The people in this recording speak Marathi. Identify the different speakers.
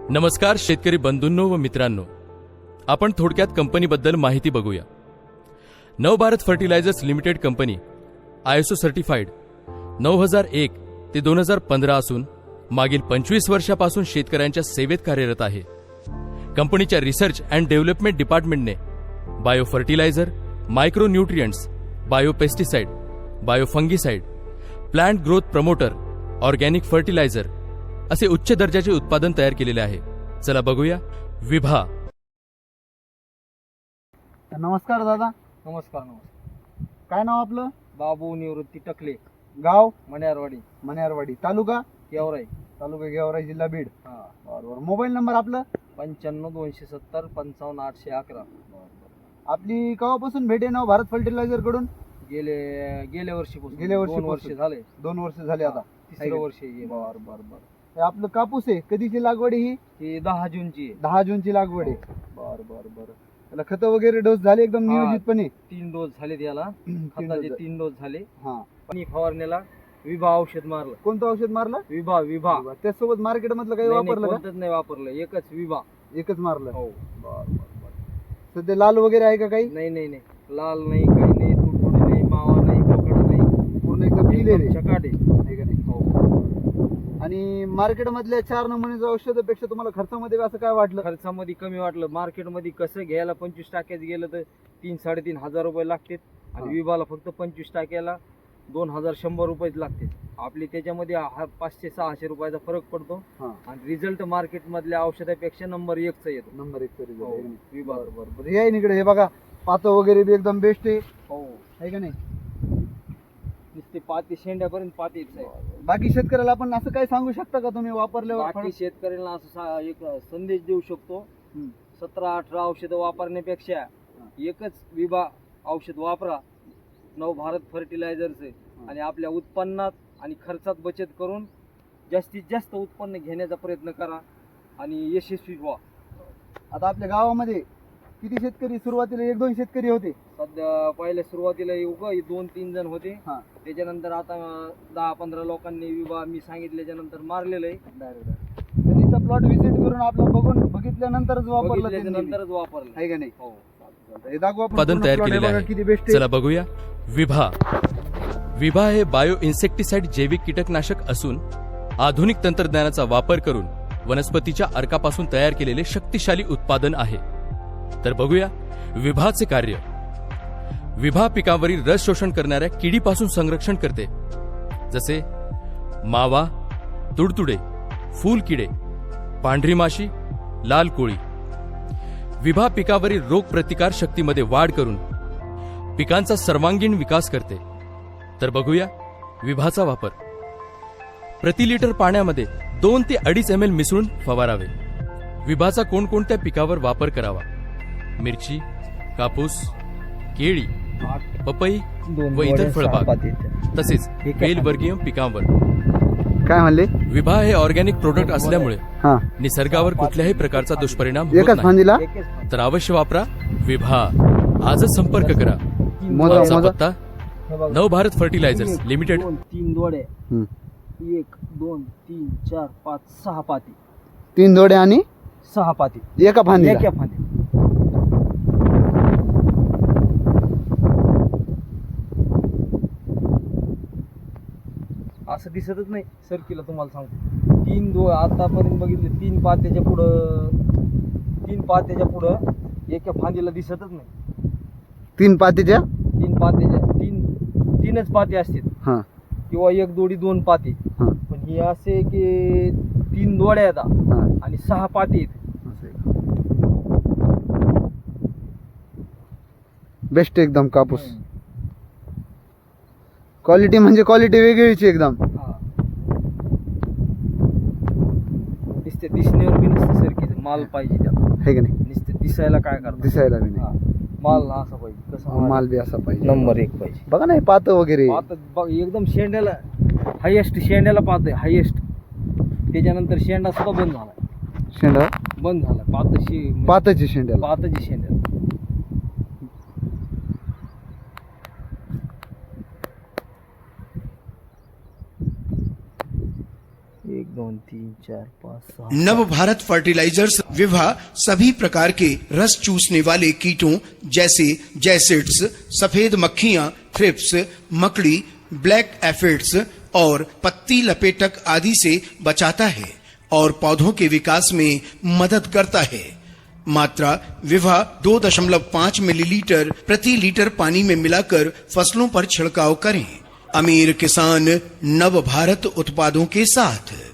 Speaker 1: नमस्कार शेतकरी बंधूंनो व मित्रांनो, आपण थोडक्यात कंपनीबद्दल माहिती बघूया. Navbharat fertilizers limited company ISO certified 9001 ते 2015 असून मागील 25 वर्षापासून शेतकऱ्यांच्या सेवेत कार्यरत आहे. कंपनीच्या रिसर्च अँड डेव्हलपमेंट डिपार्टमेंटने bio fertilizer, micro nutrients, bio pesticide, bio fungicide, plant growth promoter, organic fertilizer असे उच्च दर्जाचे उत्पादन तयार केलेले आहे. चला बघूया. विभा.
Speaker 2: नमस्कार दादा.
Speaker 3: नमस्कार.
Speaker 2: काय नाव आपलं?
Speaker 3: बाबू निवृत्ती टकले,
Speaker 2: गाव?
Speaker 3: मण्यारवाडी,
Speaker 2: मण्यारवाडी, तालुका
Speaker 3: गेवराई.
Speaker 2: तालुका गेवराई, जिल्हा बीड.
Speaker 3: हा.
Speaker 2: बरोबर. मोबाईल नंबर आपलं?
Speaker 3: 95 270 55 811.
Speaker 2: आपली केव्हापासून भेट आहे नाव भारत फर्टिलायझर कडून?
Speaker 3: गेल्या वर्षीपासून.
Speaker 2: गेल्या वर्षी
Speaker 3: 2 वर्ष झाले.
Speaker 2: 2 वर्ष झाले आता.
Speaker 3: तिसरं वर्ष आहे.
Speaker 2: बर बर बर. हे आपलं कापूस आहे, कधीची लागवड आहे ही?
Speaker 3: ही 10 जूनची आहे.
Speaker 2: 10 जूनची लागवड आहे. बर बर बर. त्याला खत वगैरे डोस झाले एकदम नियोजितपणे?
Speaker 3: 3 डोस झाले त्याला. खताचे 3 डोस झाले.
Speaker 2: हा.
Speaker 3: पाणी फवारण्याला विभा औषध मारलं.
Speaker 2: कोणतं औषध मारलं?
Speaker 3: विभा.
Speaker 2: त्यासोबत मार्केट मधलं काही
Speaker 3: नाही, नाही,
Speaker 2: वापरलं का?
Speaker 3: कोणतंच नाही वापरलं, एकच विभा.
Speaker 2: एकच मारलं.
Speaker 3: हो.
Speaker 2: बर बर बर. सध्या लाल वगैरे आहे का काही?
Speaker 3: नाही नाही नाही, लाल नाही, काही नाही, तुडतुडे नाही, मावा नाही, पोकळा नाही,
Speaker 2: पूर्ण एकदम क्लिअर आहे.
Speaker 3: चकाट आहे.
Speaker 2: आहे का नाही?
Speaker 3: हो.
Speaker 2: आणि मार्केट मधल्या 4 नमुन्याच्या औषधापेक्षा तुम्हाला खर्चामध्ये असं काय वाटलं?
Speaker 3: खर्चामध्ये कमी वाटलं. मार्केटमध्ये कसं घ्यायला 25 टाक्याचं गेलं तर 3-3.5 हजार रुपये लागतात आणि विभाला फक्त 25 टाक्याला 2100 रुपयेच लागते. आपली त्याच्यामध्ये 500-600 रुपयाचा फरक पडतो आणि रिझल्ट मार्केट मधल्या औषधापेक्षा नंबर 1चा येतो.
Speaker 2: नंबर 1चा रिझल्ट.
Speaker 3: विभा.
Speaker 2: बरोबर. हे आहे इकडे, हे बघा पातं वगैरे बी एकदम बेस्ट आहे.
Speaker 3: हो.
Speaker 2: आहे का नाही?
Speaker 3: नुसते पाती शेंड्यापर्यंत पातीच आहे.
Speaker 2: बाकी शेतकऱ्याला आपण असं काय सांगू शकता का तुम्ही वापरल्यावर?
Speaker 3: बाकी शेतकऱ्यांना असं एक संदेश देऊ शकतो, 17-18 औषधं वापरण्यापेक्षा एकच विभा औषध वापरा, नवभारत फर्टिलायझरचे, आणि आपल्या उत्पन्नात आणि खर्चात बचत करून जास्तीत जास्त उत्पन्न घेण्याचा प्रयत्न करा आणि यशस्वी व्हा.
Speaker 2: आता आपल्या गावामध्ये किती शेतकरी? सुरुवातीला 1-2 शेतकरी होते.
Speaker 3: सध्या पहिल्या सुरुवातीला 2-3 जण होते.
Speaker 2: हा.
Speaker 3: त्याच्यानंतर आता 10-15 लोकांनी विभा मी सांगितल्याच्या नंतर मारलेलं आहे.
Speaker 2: त्यांनी तर प्लॉट व्हिजिट करून आपलं बघितल्यानंतरच वापरलं.
Speaker 3: नंतरच वापरलं.
Speaker 2: आहे का नाही?
Speaker 3: हो.
Speaker 2: हे दाखवा.
Speaker 1: उत्पादन तयार केलेले आहे. चला बघूया. विभा. विभा हे बायो इन्सेक्टिसाइड जैविक कीटकनाशक असून आधुनिक तंत्रज्ञानाचा वापर करून वनस्पतीच्या अर्कापासून तयार केलेले शक्तिशाली उत्पादन आहे. तर बघूया विभाचे कार्य. विभा पिकावरील रस शोषण करणाऱ्या किडीपासून संरक्षण करते, जसे मावा, तुडतुडे, फूलकिडे, पांढरी माशी, लाल कोळी. विभा पिकावरील रोग प्रतिकार शक्तीमध्ये वाढ करून पिकांचा सर्वांगीण विकास करते. तर बघूया विभाचा वापर. प्रति लिटर पाण्यामध्ये 2 ते 2.5 ml मिसळून फवारावे. विभाचा कोणकोणत्या पिकावर वापर करावा? मिरची, कापूस, केळी, पपई व इतर फळबाग, तसेच बेलवर्गीय पिकांवर.
Speaker 2: काय म्हणले?
Speaker 1: विभा हे ऑर्गॅनिक प्रोडक्ट असल्यामुळे निसर्गावर कुठल्याही प्रकारचा दुष्परिणाम होत
Speaker 2: एकच
Speaker 1: नाही.
Speaker 2: फांदीला?
Speaker 1: तर अवश्य वापरा विभा. आजच संपर्क करा. आमचा पत्ता नवभारत फर्टिलायझर्स लिमिटेड.
Speaker 3: 3 दोडे, 1 2 3 4 5 6 पाती.
Speaker 2: 3 दोडे आणि
Speaker 3: 6 पाती
Speaker 2: एका फांदीला?
Speaker 3: एका फांदी. असं दिसतच नाही सरकीला, तुम्हाला सांगतो. 3 आतापर्यंत बघितले 3 पात्याच्या पुढं एका फांदीला दिसतच नाही.
Speaker 2: 3 पातीच्या?
Speaker 3: 3च पाते असतात किंवा 1 दोडी 2 पाते. पण हे असे की 3 दोड्या आहेत आणि 6 पाते आहेत.
Speaker 2: बेस्ट एकदम कापूस. क्वालिटी म्हणजे क्वालिटी वेगळीची एकदम.
Speaker 3: नुसते दिसण्यावर बी नसते सरकीचं, माल पाहिजे त्याला.
Speaker 2: आहे का नाही?
Speaker 3: नुसते दिसायला काय करतात?
Speaker 2: दिसायला बी नाही.
Speaker 3: माल असा पाहिजे. कसं
Speaker 2: माल बी असा पाहिजे.
Speaker 3: नंबर 1 पाहिजे.
Speaker 2: बघा नाही पात वगैरे.
Speaker 3: एकदम शेंड्याला हायेस्ट शेंड्याला पात आहे, हायेस्ट. त्याच्यानंतर शेंडा सुद्धा बंद झाला.
Speaker 2: शेंडा
Speaker 3: बंद झाला.
Speaker 2: पाताची शेंड्याला.
Speaker 3: पाताची शेंड्याला. एक दोन 2 3 4 5 6
Speaker 4: नव भारत फर्टिलाइजर्स विभा सभी प्रकार के रस चूसने वाले कीटों जैसे जैसिड्स, सफेद मक्खियां, थ्रिप्स, मकड़ी, ब्लैक एफिड्स और पत्ती लपेटक आदि से बचाता है और पौधों के विकास में मदद करता है। मात्रा विभा 2.5 मिलीलीटर प्रति लीटर पानी में मिलाकर फसलों पर छिड़काव करें। अमीर किसान नव भारत उत्पादों के साथ।